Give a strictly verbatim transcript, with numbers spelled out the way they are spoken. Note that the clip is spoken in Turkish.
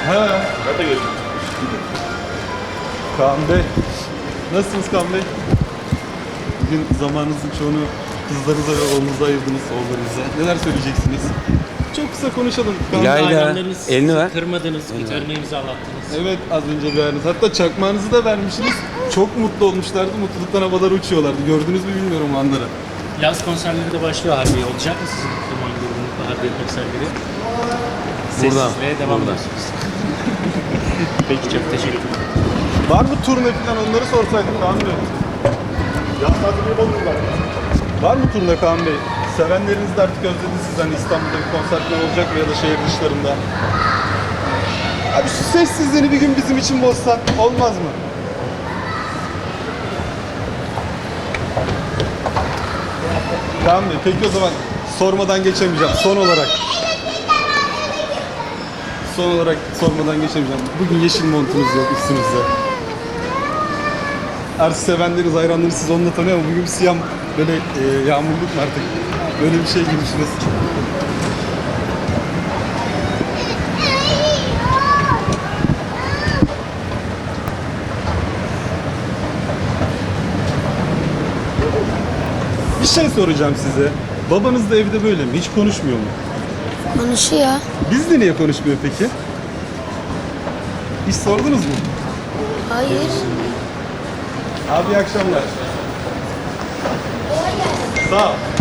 He. Ben de görüşürüz. Kaan Bey. Nasılsınız Kaan Bey? Bugün zamanınızın çoğunu kızlarınıza ve oğlunuza ayırdınız, oğullarınıza. Neler söyleyeceksiniz? Çok kısa konuşalım. Kaan Bey. İlayda, Hayranlarınız elini ver. kırmadınız, gitarını imzalattınız. Evet, az önce verdiniz. Hatta çakmağınızı da vermişsiniz. Çok mutlu olmuşlardı. Mutluluktan havalara uçuyorlardı. Gördünüz mü bilmiyorum o anları. Yaz konserleri de başlıyor Harbiye. Olacak mı sizin Duman grubunun Harbiye konserleri? Burada, Sessizliğe devam burada. ediyorsunuz. Peki, çok teşekkür ederim. Var mı turne falan, onları sorsaydık Kaan Bey. Yaz tatili Bodrum'da. Var mı turne Kaan Bey? Sevenleriniz de artık özledi sizden, İstanbul'da bir konserler olacak mı ya da şehir dışlarında? Abi şu sessizliğini bir gün bizim için bozsan olmaz mı? Kaan Bey, peki o zaman sormadan geçemeyeceğim. Son olarak. Son olarak sormadan geçemeyeceğim. Bugün yeşil montunuz yok üstünüzde. Artık sevenleriniz, hayranlarınız siz onunla tanıyor ama bugün siyah böyle e, yağmurluk mu artık? Böyle bir şey giymişsiniz. Bir şey soracağım size. Babanız da evde böyle mi? Hiç konuşmuyor mu? Konuşuyor. Bizle niye konuşmuyor peki? Hiç sordunuz mu? Hayır. Abi iyi akşamlar. Sağ ol.